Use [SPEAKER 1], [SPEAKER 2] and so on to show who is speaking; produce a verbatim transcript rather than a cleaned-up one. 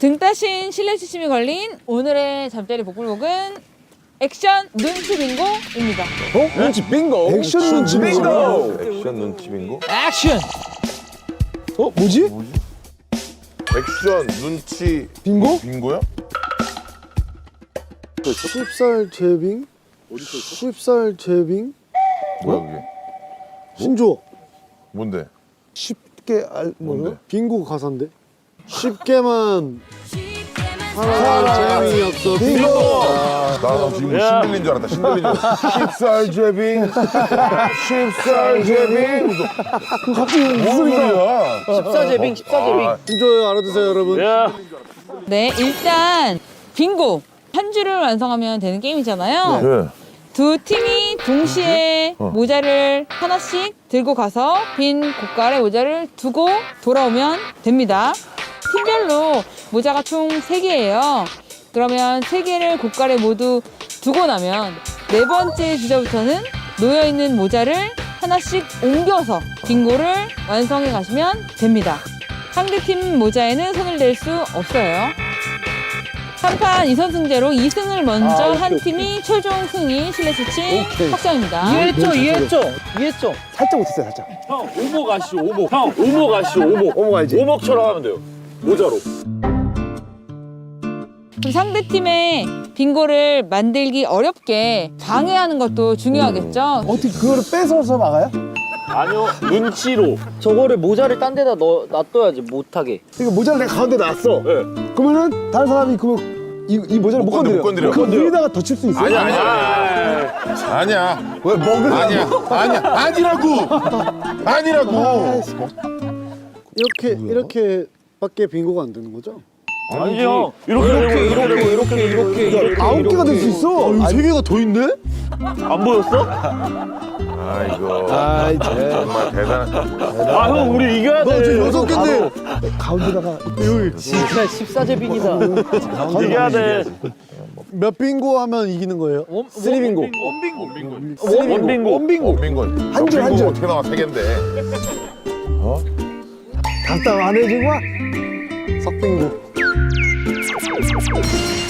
[SPEAKER 1] 등 따신 실내 지침이 걸린 오늘의 잠자리 복불복은 액션 눈치 빙고입니다.
[SPEAKER 2] 어? 눈치 빙고? 액션 눈치 빙고!
[SPEAKER 3] 액션 눈치 빙고?
[SPEAKER 1] 액션!
[SPEAKER 2] 어? 뭐지?
[SPEAKER 3] 액션 눈치
[SPEAKER 2] 빙고?
[SPEAKER 3] 빙고야?
[SPEAKER 4] 수입살 제빙? 수입살 제빙?
[SPEAKER 3] 뭐야 그게?
[SPEAKER 4] 신조
[SPEAKER 3] 뭔데?
[SPEAKER 4] 쉽게 알 뭐요?
[SPEAKER 3] 뭔데?
[SPEAKER 4] 빙고 가사인데? 쉽게만 사랑 재미 없어 빙고.
[SPEAKER 3] 아, 나 지금 신들린 줄 알았다. 신들린 줄 알았다. 십살 제빙, 십살 제빙.
[SPEAKER 4] 그 갑자기 무슨 소리야?
[SPEAKER 5] 십사제빙, 십사제빙.
[SPEAKER 4] 신조요 알아두세요 여러분.
[SPEAKER 1] 네, 일단 빙고! 한 줄을 완성하면 되는 게임이잖아요.
[SPEAKER 3] 네.
[SPEAKER 1] 두 팀이 동시에
[SPEAKER 3] 어.
[SPEAKER 1] 모자를 하나씩 들고 가서 빈 고깔에 모자를 두고 돌아오면 됩니다. 팀별로 모자가 총 세 개예요. 그러면 세 개를 고깔에 모두 두고 나면 네 번째 주자부터는 놓여있는 모자를 하나씩 옮겨서 빙고를 완성해 가시면 됩니다. 상대팀 모자에는 손을 댈 수 없어요. 삼 판 이 선승제로 이 승을 먼저
[SPEAKER 5] 아,
[SPEAKER 1] 한
[SPEAKER 5] 오케이,
[SPEAKER 1] 팀이 최종 승리 실내 수치 확정입니다.
[SPEAKER 5] 이해했죠, 이해했죠, 이해했죠.
[SPEAKER 2] 살짝 못했어요, 살짝.
[SPEAKER 6] 형 오목 아시죠 오목 형 오목 아시죠 오목
[SPEAKER 2] 오목 알지?
[SPEAKER 6] 오목처럼 하면 돼요 모자로
[SPEAKER 1] 그럼 상대팀의 빙고를 만들기 어렵게 방해하는 것도 중요하겠죠.
[SPEAKER 2] 어떻게 그거를 뺏어서 막아요?
[SPEAKER 6] 아니요 눈치로
[SPEAKER 5] 저거를 모자를 딴 데다 넣어, 놔둬야지, 못하게.
[SPEAKER 2] 그러니까 모자를 내가 가운데 놨어.
[SPEAKER 6] 네.
[SPEAKER 2] 그러면은 다른 사람이 그 이, 이 모자를 못
[SPEAKER 3] 못 건드려,
[SPEAKER 2] 건드려.
[SPEAKER 3] 못 건드려.
[SPEAKER 2] 그 위에다가 덧칠 수 있어요?
[SPEAKER 3] 아니야, 아니야. 아니야.
[SPEAKER 2] 왜 먹으려고?
[SPEAKER 3] 아니야. 아니야. 아니라고. 아니라고.
[SPEAKER 4] 이렇게 이렇게밖에 빙고가 안 되는 거죠?
[SPEAKER 6] 아니지 형 이렇게 이렇게 이렇게 이렇게 이렇게 이렇게
[SPEAKER 2] 아홉 개가 될 수 있어.
[SPEAKER 4] 아, 세 개가 더 있네?
[SPEAKER 6] 안 보였어?
[SPEAKER 3] 아이고.
[SPEAKER 2] 아이, 쟤.
[SPEAKER 3] 정말 대단.
[SPEAKER 6] 아 형 우리 이겨야
[SPEAKER 4] 나 지금
[SPEAKER 6] 돼
[SPEAKER 4] 여섯 개인데
[SPEAKER 2] 가운데다가
[SPEAKER 5] 진짜 십사제빙이다.
[SPEAKER 6] 이겨야 돼
[SPEAKER 4] 몇 빙고 하면 이기는 거예요?
[SPEAKER 2] 쓰리 빙고.
[SPEAKER 6] 원빙고
[SPEAKER 2] 원빙고.
[SPEAKER 3] 원빙고.
[SPEAKER 2] 한 줄, 한 줄.
[SPEAKER 3] 어떻게 나와 세 개인데.
[SPEAKER 2] 답답 안 해주고
[SPEAKER 4] 석빙고.